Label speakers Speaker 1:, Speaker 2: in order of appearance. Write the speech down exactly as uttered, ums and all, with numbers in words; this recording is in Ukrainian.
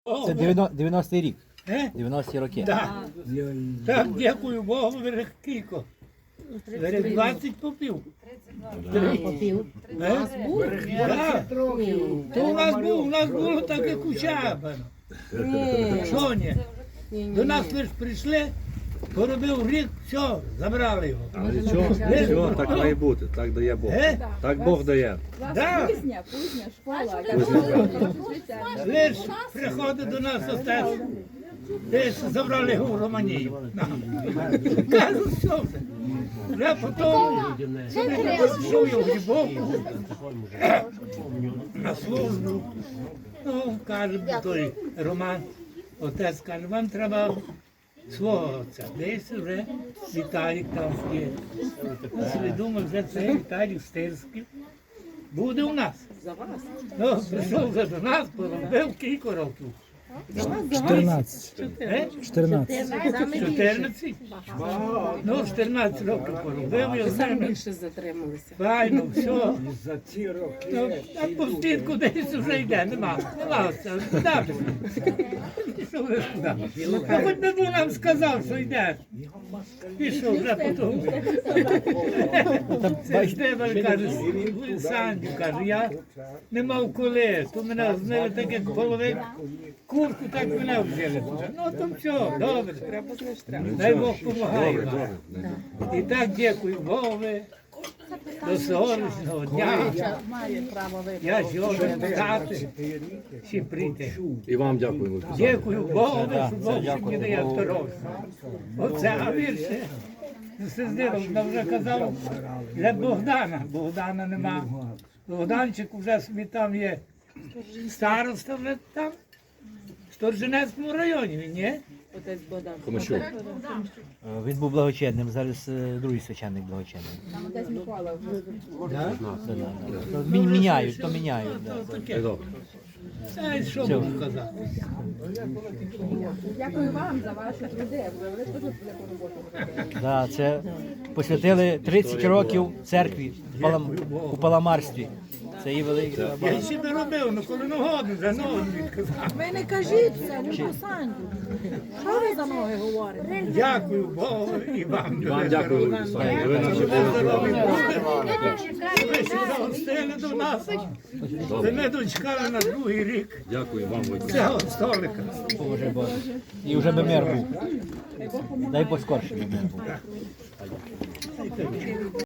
Speaker 1: Це дев'яностий рік.
Speaker 2: Е?
Speaker 1: дев'яності роки.
Speaker 2: Так. Так, дякую Богу, берег кілько. Берег двадцять попів.
Speaker 3: Попів.
Speaker 2: Е? Так. То у нас був, у нас було так, як у Чабана. Що ні? До нас лише прийшли, поробив рік, все, забрали його.
Speaker 4: Але нічого, нічого, так має бути, так дає Бог.
Speaker 2: Е?
Speaker 4: Так Бог дає.
Speaker 2: Да.
Speaker 3: Кузня, кузня, школа.
Speaker 2: Лиш приходить до нас отець, десь забрали його в Романію. Кажу, що вже. Вже потім пішов я в Грибовку на службу. Ну, каже той Роман, отець каже, вам треба свого отця. Десь вже Віталік там є. Я собі думав, вже це Віталік Стирський буде у нас. Ну, прийшов вже до нас, поробив кілька років.
Speaker 1: чотирнадцять.
Speaker 2: Е?
Speaker 1: чотирнадцять.
Speaker 2: чотирнадцять? Ну, чотирнадцять років поробив, я
Speaker 3: Сам
Speaker 2: знаю.
Speaker 3: більше затрималися.
Speaker 2: Файно, все. Ну, а по стінку десь вже йде, нема. Нема оце. Куди пішов? Пішов вже куди. Ну, хоч би був нам сказав, що йдеш. Пішов вже потім. Це Штебель каже, Саню, каже, я не мав коли, то мене знали так, як половик, курку, так мене взяли туди. Ну, то все, добре. Дай Бог допомагає вам. І так дякую Богові. До сьогоднішнього дня я сьогодні стати, всі прийти.
Speaker 4: І вам дякую.
Speaker 2: Дякую Богу, що Бог ще мені дає здоров'я. Оце, а вірше, Сиздилов вже казав для Богдана. Богдана нема. Богданчик вже собі там є староста вже там, в Сторженецькому районі він є.
Speaker 3: Отець Богдан.
Speaker 4: Комачук.
Speaker 1: Він був благочинним, зараз е, другий священник благочинний.
Speaker 3: Отець Микола.
Speaker 2: Да?
Speaker 1: Да, да, да. То мі- Міняють, то міняють. Да.
Speaker 2: Таке.
Speaker 4: Добре.
Speaker 2: Та що можу казати?
Speaker 3: Дякую вам за ваші труди. Ви теж велику роботу робите.
Speaker 1: Да, це посвятили тридцять років церкві в Палам- у Паламарстві. Це її велика.
Speaker 2: Я ще не робив, ну коли нагодно, за ноги відказав.
Speaker 5: Ви не кажіть це, не посанду. Що ви за ноги говорите?
Speaker 2: Дякую Богу і вам.
Speaker 4: І вам дякую, Олександр. Ви нам ще
Speaker 2: Ви ще загостили до нас. Ви не дочекали на другий рік
Speaker 4: Дякую вам, Войко.
Speaker 2: цього столика.
Speaker 1: Боже Боже. І вже би мир був. Дай поскорше би мир був.